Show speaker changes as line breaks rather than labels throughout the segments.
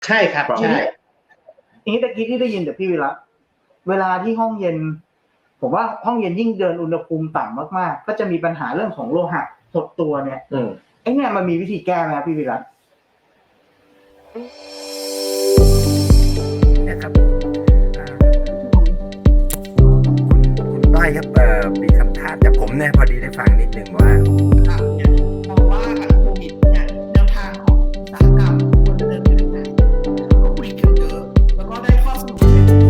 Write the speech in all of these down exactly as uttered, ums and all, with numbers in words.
ใช่ครับใช่
ทีนี้ตะกี้ที่ได้ยินจากพี่วิระเวลาที่ห้องเย็นผมว่าห้องเย็นยิ่งเดินอุณหภูมิต่ำมากๆก็จะมีปัญหาเรื่องของโลหะหดตัวเนี่ยไอ้เนี่ยมันมีวิธีแก้ไหมครับพี่วิระ
นะครับคุณต้อยครับเอ่อมีคำถามจากผมเนี่ยพอดีได้ฟังนิดนึงว่
ามองว่าโควิดเนี่ยแนวทางของอุตสาหกรรมควรจะเดินไปทางไหนก็คุยกันเยอะแล้วก็ได้ข้อสรุป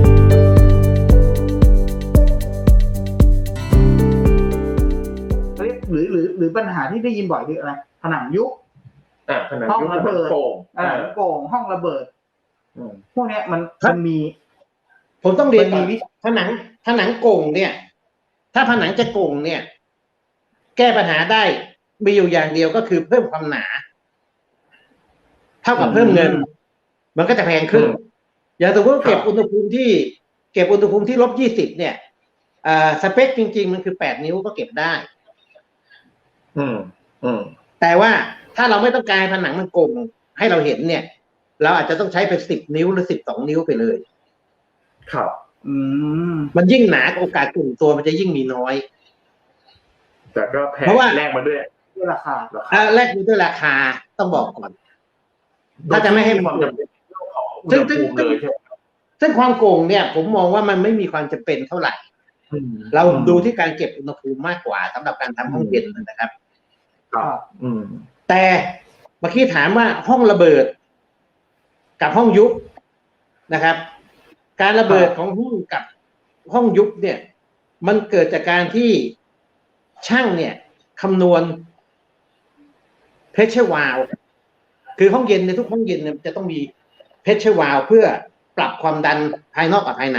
หรือหรือหรือปัญหาที่ได้ยินบ่อยคืออะไรผนังยุบ
ห้
องระเบิด
โป่ง
อ่าโป่งห้องระเบิดพวกนี้มันมันมี
ผมต้องเรียนมีผนังผนังโก่งเนี่ย ถ้าผนังจะโก่งเนี่ย แก้ปัญหาได้มีอยู่อย่างเดียวก็คือเพิ่มความหนาเท่ากับเพิ่มเงินมันก็จะแพงขึ้นอย่างสมมติเก็บอุณหภูมิที่เก็บอุณหภูมิที่ลบยี่สิบเนี่ยอ่าสเปคจริงๆมันคือแปดนิ้วก็เก็บได้
อืมอืม
แต่ว่าถ้าเราไม่ต้องการผนังมันโก่งให้เราเห็นเนี่ย เราอาจจะต้องใช้เป็นสิบนิ้วหรือสิบสองนิ้วไปเลย
ครับ
อืม
มันยิ่งหนาโอกาสกลุ่มตัวมันจะยิ่งมีน้อย
แต่ก็แพงแลกมาด้วย
ด้วยราคา
อ่าแลกด้วยราคาต้องบอกก่อนถ้าจะไม่ให้
ความจำเป็นของอุณหภูมิเลยใช่ไหม
ซึ่งความโก่งเนี่ยผมมองว่ามันไม่มีความจำเป็นเท่าไหร่เราดูที่การเก็บอุณหภูมิมากกว่าสำหรับการทำห้องเย็นนะครับ
ครับอืม
แต่เมื่อกี้ถามว่าห้องระเบิดกับห้องยุบนะครับการระเบิดของห้องกับห้องยุบเนี่ยมันเกิดจากการที่ช่างเนี่ยคำนวณ pressure valve คือห้องเย็นในทุกห้องเย็นเนี่ยจะต้องมี pressure valve เพื่อปรับความดันภายนอกกับภายใน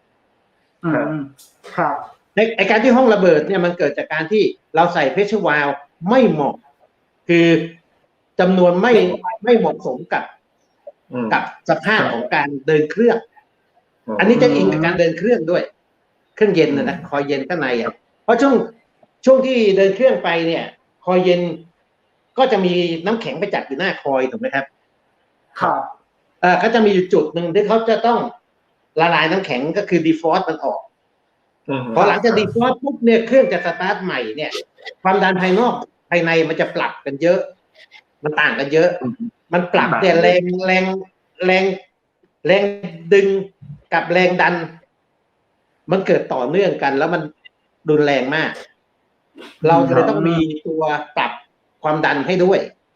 ครับ
ในไอการที่ห้องระเบิดเนี่ยมันเกิดจากการที่เราใส่ pressure valve ไม่เหมาะคือจำนวนไม่ไม่เหมาะสมกับกับสภาพของการเดินเครื่องอันนี้จะอิงกับการเดินเครื่องด้วยเครื่องเย็นนะนะคอยเย็นข้างในอ่ะเพราะช่วงช่วงที่เดินเครื่องไปเนี่ยคอยเย็นก็จะมีน้ำแข็งไปจับอยู่หน้าคอยถูกไหมครับ
ครับ
เอ่อเขาจะมีอยู่จุดหนึ่งที่เขาจะต้องละลายน้ำแข็งก็คือดีฟอสมันออกพอหลังจากดีฟอสปุ๊บเนี่ยเครื่องจะสตาร์ทใหม่เนี่ยความดันภายนอกภายในมันจะปรับกันเยอะมันต่างกันเยอะมันปรับเนี่ยแรงแรงแรงแรงดึงกับแรงดันมันเกิดต่อเนื่องกันแล้วมันรุนแรงมากเราเลยต้องมีตัวปรับความดันให้ด้วย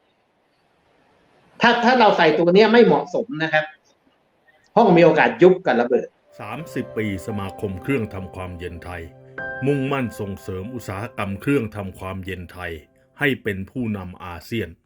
ถ้าถ้าเราใส่ตัวนี้ไม่เหมาะสมนะครับห้องมีโอกาสยุบกับระเบิด
สามสิบปีสมาคมเครื่องทำความเย็นไทยมุ่งมั่นส่งเสริมอุตสาหกรรมเครื่องทำความเย็นไทยให้เป็นผู้นำอาเซียน